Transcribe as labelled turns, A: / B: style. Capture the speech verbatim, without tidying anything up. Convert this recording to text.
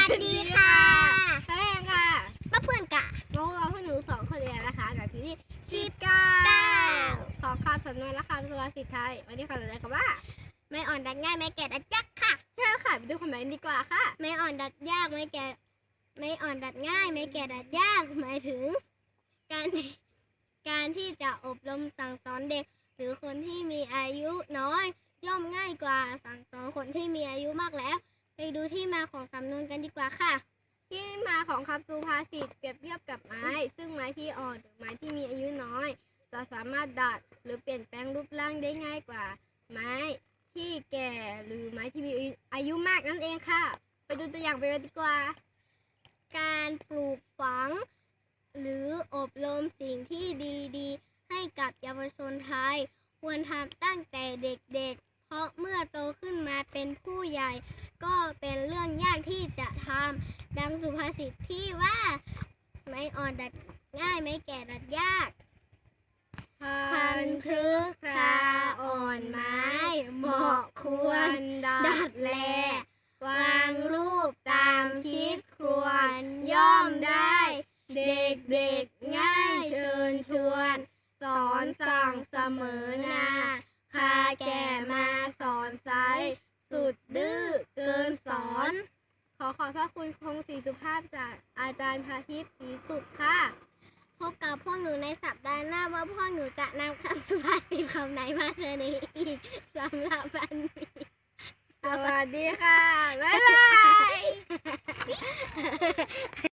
A: สดีค่ะ
B: แป้งค่ะ
A: ป้าเพื่อนกะ
B: น้องเราพวกหนูสองคนเรียนนะคะกับที่นี่ชีดก้าขอคำสำนวนและคำสุภาษิตไทยวันนี้คำสำนวนคำว่า
A: ไม่อ่อนดัดง่ายไม่แก่ดัดยากค่ะ
B: ใช่ค่ะไปดูคำไหนดีกว่าค่ะ
A: ไม่อ่อนดัดยากไม่แก่ไม่อ่อนดัดง่ายไม่แก่ดัดยากหมายถึง การการที่จะอบรมสั่งสอนเด็กหรือคนที่มีอายุน้อยย่อมง่ายกว่าสั่งสอนคนที่มีอายุมากแล้วไปดูที่มาของสำนวนกันดีกว่าค่ะ
B: ที่มาของคำสุภาษิตเปรียบเทียบกับไม้ซึ่งไม้ที่อ่อนหรือไม้ที่มีอายุน้อยจะสามารถดัดหรือเปลี่ยนแปลงรูปร่างได้ง่ายกว่าไม้ที่แก่หรือไม้ที่มีอายุมากนั่นเองค่ะไปดูตัวอย่างไปกันดีกว่า
A: การปลูกฝังหรืออบรมสิ่งที่ดีๆให้กับเยาวชนไทยควรทำตั้งแต่เด็กๆเพราะเมื่อโตขึ้นมาเป็นผู้ใหญ่ก็เป็นเรื่องยากที่จะทำดังสุภาษิตที่ว่าไม้อ่อนดัดง่ายไม้แก่ดัดยาก
B: พันพฤกษาอ่อนไม้เหมาะควรดัดแลวางรูปตามคิดควรย่อมได้เด็กๆง่ายเชิญชวนสอนสั่งเสมอนาพาแก่มาสอนไซสุดดื้อเกินสอนขอขอบพระคุณคงศรีสุภาพจากอาจารย์พาทิพย์ศรีสุดค่ะ
A: พบกับพวกหนูในสัปดาห์หน้าว่าพวกหนูจะนำคำสุภาษิตคำไหนมาเสนออีกสำหรับวันนี้
B: สวัสดีค่ะ บ๊ายบาย